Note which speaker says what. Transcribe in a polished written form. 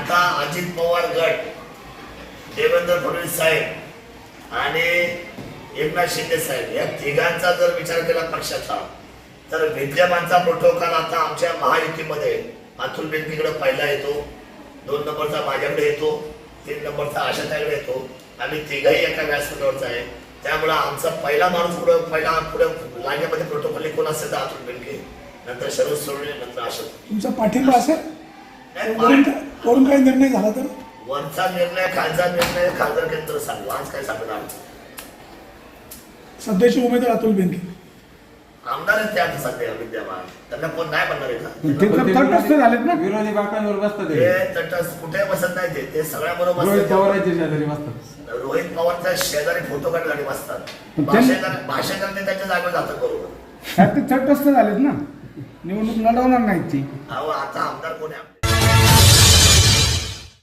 Speaker 1: आता अजित पवार गट, देवेंद्र फडणवीस साहेब आणि एकनाथ शिंदे साहेब या तिघांचा जर विचार केला पक्षाचा, तर विद्यमानचा प्रोटोकॉल आता आमच्या महायुतीमध्ये अतुल बेनकेकडे पहिला येतो, 2 नंबरचा माझ्याकडे येतो, 3 नंबरचा आशाताईकडे येतो. आम्ही तिघही एका व्यासपीठावरचा आहे. त्यामुळे आमचा पहिला माणूस पुढे लाईनीमध्ये प्रोटोकॉल कोण असेल तर अतुल बेनके, नंतर शरद सोडले, नंतर आशा.
Speaker 2: तुमचा पाठिंबा असेल वरून काही निर्णय झाला तर?
Speaker 1: वरचा निर्णय, खालचा निर्णय खासदार केंद्र सांगू, आज काय सांगणार.
Speaker 2: सध्याचे उमेदवार अतुल बेनके
Speaker 1: आमदार आहेत ते आता सध्या विद्यमान, त्यांना कोण नाही बनणार आहे का?
Speaker 3: तटस्थ झालेत ना, विरोधी बाकांवर बसतात
Speaker 1: ते तटस्थ कुठे बसत नाही, ते सगळ्या बरोबर
Speaker 3: रोहित पवारांच्या शेजारी बसतात.
Speaker 1: रोहित पवारच्या शेजारी फोटो काढणारी बसतात. भाषण करते त्याच्या जागेवर जातात बरोबर.
Speaker 3: ते तटस्थ झालेत ना, निवडणूक लढवणार नाहीत ती.
Speaker 1: अहो आता आमदार कोण आहे?